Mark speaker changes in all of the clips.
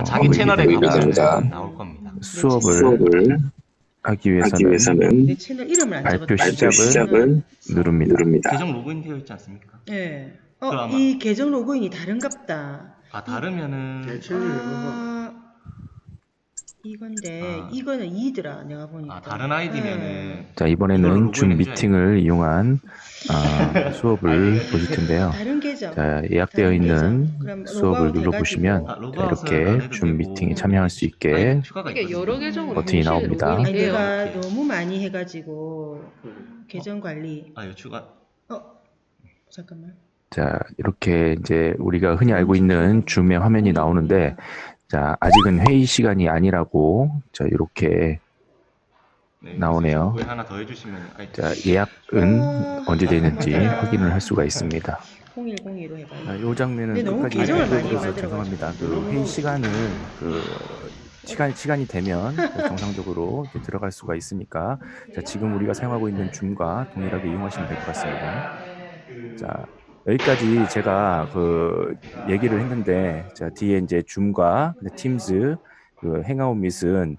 Speaker 1: 자기 채널에
Speaker 2: 됩니다.
Speaker 1: 가면 나올 겁니다.
Speaker 2: 수업을 하기 위해서는
Speaker 3: 내 채널 이름을 안
Speaker 2: 발표
Speaker 3: 적었다.
Speaker 2: 시작을 누릅니다.
Speaker 1: 계정 로그인 되어 있지 않습니까?
Speaker 3: 네.
Speaker 1: 그럼 아마-
Speaker 3: 이 계정 로그인이 다른갑다.
Speaker 1: 다르면은
Speaker 3: 이건데 이거는 2더라 내가 보니까.
Speaker 1: 다른 아이디면은
Speaker 2: 자,
Speaker 1: 이걸
Speaker 2: 이번에는
Speaker 1: 로그인
Speaker 2: 줌
Speaker 1: 해줘야
Speaker 2: 미팅을 이용한 수업을 보실 텐데요.
Speaker 3: 다른 계정.
Speaker 2: 자, 예약되어
Speaker 3: 다른
Speaker 2: 있는
Speaker 3: 계정. 그럼
Speaker 2: 수업을
Speaker 3: 로그아웃
Speaker 2: 눌러보시면
Speaker 3: 해가지고.
Speaker 2: 자, 이렇게 줌 미팅에 참여할 수 있게
Speaker 4: 이게 여러 계정으로
Speaker 2: 버튼이
Speaker 4: 동시에
Speaker 2: 나옵니다.
Speaker 4: 로그인이
Speaker 3: 아니
Speaker 4: 돼요.
Speaker 3: 내가
Speaker 1: 이렇게.
Speaker 3: 너무 많이 해가지고 계정 관리.
Speaker 1: 이거 추가
Speaker 3: 잠깐만.
Speaker 2: 자, 이렇게 이제 우리가 흔히 알고 있는 줌의 화면이 나오는데, 자, 아직은 회의 시간이 아니라고, 자, 이렇게 나오네요.
Speaker 1: 왜 하나 더 해주시면
Speaker 2: 자, 예약은 언제 되는지 확인을 할 수가 있습니다.
Speaker 3: 0102로 해봐요.
Speaker 2: 자, 이 장면은
Speaker 3: 근데 너무
Speaker 2: 끝까지
Speaker 3: 계정을 많이
Speaker 2: 보여드려서
Speaker 3: 만들어가지고.
Speaker 2: 죄송합니다. 그 회의 시간은 시간이 되면 정상적으로 이제 들어갈 수가 있으니까, 자, 지금 우리가 사용하고 있는 줌과 동일하게 이용하시면 될 것 같습니다. 자, 여기까지 제가 얘기를 했는데, 자, 뒤에 이제 줌과 팀즈, 행아웃 밋은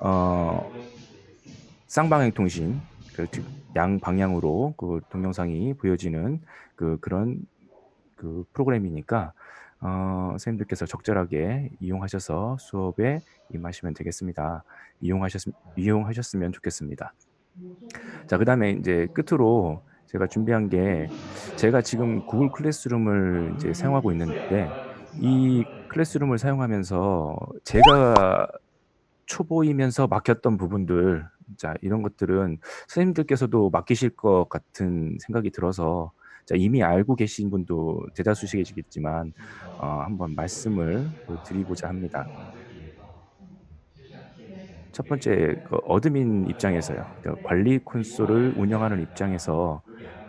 Speaker 2: 쌍방향 통신, 양 방향으로 동영상이 보여지는 그런 프로그램이니까 선생님들께서 적절하게 이용하셔서 수업에 임하시면 되겠습니다. 이용하셨으면 좋겠습니다. 자, 그 다음에 이제 끝으로 제가 준비한 게, 제가 지금 구글 클래스룸을 이제 사용하고 있는데, 이 클래스룸을 사용하면서 제가 초보이면서 막혔던 부분들, 자, 이런 것들은 선생님들께서도 맡기실 것 같은 생각이 들어서, 자, 이미 알고 계신 분도 대다수시겠지만 한번 말씀을 드리고자 합니다. 첫 번째, 어드민 입장에서요. 관리 콘솔을 운영하는 입장에서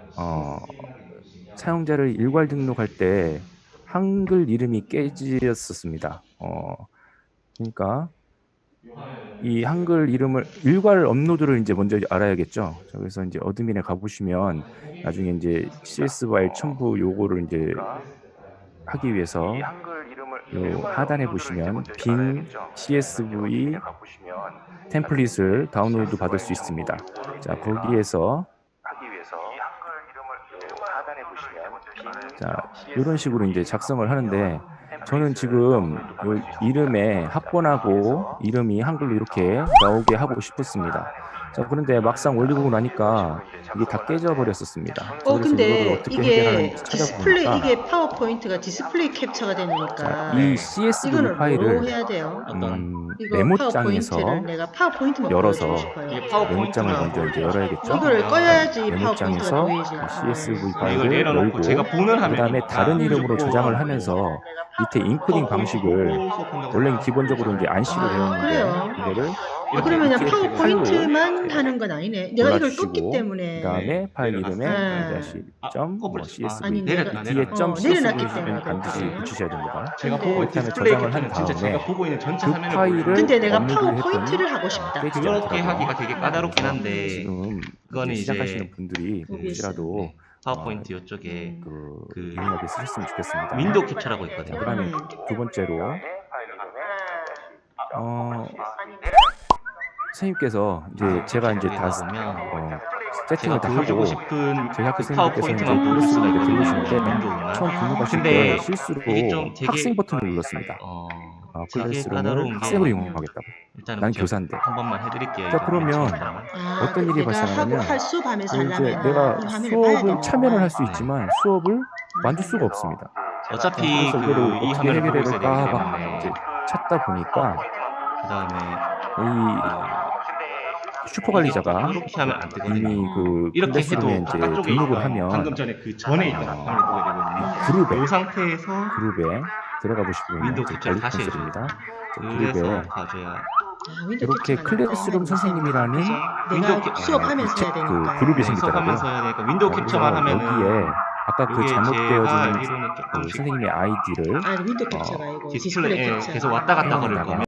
Speaker 2: 사용자를 일괄 등록할 때 한글 이름이 깨졌었습니다. 그러니까 이 한글 이름을 일괄 업로드를 이제 먼저 알아야겠죠. 자, 그래서 이제 어드민에 가보시면 나중에 이제 CS 파일 첨부 요거를 이제 하기 위해서 요 하단에 보시면 빈 CSV 템플릿을 다운로드 받을 수 있습니다. 자, 거기에서 자, 이런 식으로 이제 작성을 하는데, 저는 지금 요 이름에 합본하고 이름이 한글로 이렇게 나오게 하고 싶었습니다. 자, 그런데 막상 올리고 나니까 이게 다 깨져 버렸었습니다. 그래서
Speaker 3: 근데
Speaker 2: 이거를 어떻게
Speaker 3: 이게
Speaker 2: 해결하는지
Speaker 3: 디스플레이,
Speaker 2: 찾아보니까,
Speaker 3: 이게 파워포인트가 디스플레이 캡처가 되니까
Speaker 2: 자, 이 CSV
Speaker 3: 이거는 뭐로
Speaker 2: 파일을
Speaker 3: 해야 돼요? 이거
Speaker 2: 메모장에서
Speaker 3: 파워포인트를 내가 파워포인트만
Speaker 2: 열어서
Speaker 3: 보여주고 싶어요.
Speaker 1: 이게
Speaker 2: 메모장을
Speaker 1: 파워포인트가
Speaker 2: 먼저 이제 열어야겠죠.
Speaker 3: 이거를 꺼야지
Speaker 2: 메모장에서
Speaker 3: 파워포인트가 보이지.
Speaker 2: CSV
Speaker 1: 이걸
Speaker 2: 파일을
Speaker 1: 내려놓고
Speaker 2: 열고,
Speaker 1: 제가 보는
Speaker 2: 그 다음에
Speaker 1: 화면이니까
Speaker 2: 다른 이름으로
Speaker 1: 읽고
Speaker 2: 저장을 하면서 밑에 인코딩 방식을 원래는 기본적으로 이제 안시로 되어
Speaker 3: 그래요?
Speaker 2: 있는데, 이거를
Speaker 3: 그러면
Speaker 2: 이렇게
Speaker 3: 파워포인트만
Speaker 2: 파일로
Speaker 3: 하는 건 아니네. 내가 이걸
Speaker 2: 골라주시고,
Speaker 3: 떴기 때문에.
Speaker 2: 그 다음에 파일 이름에
Speaker 3: 네.
Speaker 2: CSV
Speaker 3: 아니,
Speaker 2: 뒤에
Speaker 3: 내가-
Speaker 2: 점
Speaker 3: 내려놨기
Speaker 2: CSV는
Speaker 3: 때문에
Speaker 2: 반드시
Speaker 3: 그렇지.
Speaker 2: 붙이셔야 됩니다.
Speaker 1: 제가
Speaker 3: 근데-
Speaker 1: 보고
Speaker 2: 그다음에
Speaker 1: 디스플레이
Speaker 2: 저장을 한
Speaker 1: 캡처는 진짜
Speaker 2: 다음에
Speaker 1: 제가 보고 있는 전체
Speaker 2: 그
Speaker 1: 화면을
Speaker 2: 파일을
Speaker 1: 보여요.
Speaker 3: 근데 내가
Speaker 2: 업로드를
Speaker 3: 파워포인트를
Speaker 2: 했더니
Speaker 3: 하고 싶다.
Speaker 2: 깨지지
Speaker 1: 그렇게
Speaker 2: 않더라고요.
Speaker 1: 하기가 되게 까다롭긴 한데
Speaker 2: 지금
Speaker 1: 그거는
Speaker 2: 이제
Speaker 1: 이제
Speaker 2: 시작하시는 분들이 혹시라도
Speaker 1: 파워포인트 이쪽에
Speaker 2: 유용하게 쓰셨으면 좋겠습니다.
Speaker 1: 윈도우 캡처라고 있거든요.
Speaker 2: 그다음에 두 번째로 선생님께서 이제 제가 이제 다 세팅을
Speaker 1: 제가
Speaker 2: 다
Speaker 1: 보여주고
Speaker 2: 하고
Speaker 1: 싶은
Speaker 2: 저희 학교
Speaker 1: 그
Speaker 2: 선생님께서 이제
Speaker 1: 파워포인트만 보여줄 수가
Speaker 2: 클래스룸에
Speaker 1: 있거든요.
Speaker 2: 들어오시는데
Speaker 1: 윈도우나.
Speaker 2: 처음 등록하실
Speaker 1: 근데
Speaker 2: 때 실수로
Speaker 1: 이게 좀 되게
Speaker 2: 학생 버튼을 눌렀습니다.
Speaker 1: 되게
Speaker 2: 클래스룸을
Speaker 1: 까다로운 게
Speaker 2: 학생으로 이용하겠다고.
Speaker 1: 일단은
Speaker 2: 난
Speaker 1: 제가
Speaker 2: 교사인데.
Speaker 1: 한 번만 해드릴게요.
Speaker 2: 자, 그러면 어떤 일이
Speaker 3: 내가
Speaker 2: 발생하냐면,
Speaker 3: 하고 수업 하면서
Speaker 2: 이제
Speaker 3: 하려면
Speaker 2: 내가
Speaker 3: 이 화면을 봐야
Speaker 2: 수업을
Speaker 3: 되는
Speaker 2: 참여는
Speaker 3: 거야.
Speaker 2: 할 수 있지만 수업을 만들 수가 없습니다.
Speaker 1: 어차피
Speaker 2: 그래서 이거를
Speaker 1: 이
Speaker 2: 어떻게
Speaker 1: 화면을 보고
Speaker 2: 해결해야
Speaker 1: 있어야
Speaker 2: 될까
Speaker 1: 되기
Speaker 2: 막
Speaker 1: 때문에
Speaker 2: 이제 찾다 보니까
Speaker 1: 그다음에
Speaker 2: 이 슈퍼 관리자가
Speaker 1: 이렇게 하면 안 되거든요.
Speaker 2: 이미
Speaker 1: 이렇게
Speaker 2: 클래스룸에
Speaker 1: 해도
Speaker 2: 이제
Speaker 1: 바깥쪽에
Speaker 2: 등록을
Speaker 1: 있던
Speaker 2: 하면
Speaker 1: 방금 전에 그 전에 있던 화면을 보게 되거든요.
Speaker 2: 그룹에
Speaker 1: 이 상태에서
Speaker 2: 들어가 보시고 있는
Speaker 1: 윈도우
Speaker 2: 이제
Speaker 1: 캡처를
Speaker 2: 관리
Speaker 1: 다시
Speaker 2: 콘솔입니다.
Speaker 1: 그래서
Speaker 2: 그룹에
Speaker 1: 가져야
Speaker 2: 이렇게 클래스룸 선생님이라는
Speaker 3: 내가 수업하면서 해야 되니까.
Speaker 2: 그룹이
Speaker 1: 수업하면서
Speaker 2: 생기더라고요.
Speaker 1: 해야 되니까 윈도우 캡처만 하면은
Speaker 2: 여기에 아까 그
Speaker 1: 이게 제가
Speaker 2: 잘못되어진
Speaker 1: 알기로는 조금씩
Speaker 2: 선생님의 아이디를
Speaker 3: 아니 윈도우 캡처가 아니고
Speaker 1: 디스플레이
Speaker 3: 캡처.
Speaker 1: 계속 왔다 갔다 거릴
Speaker 2: 해놓다가
Speaker 1: 거면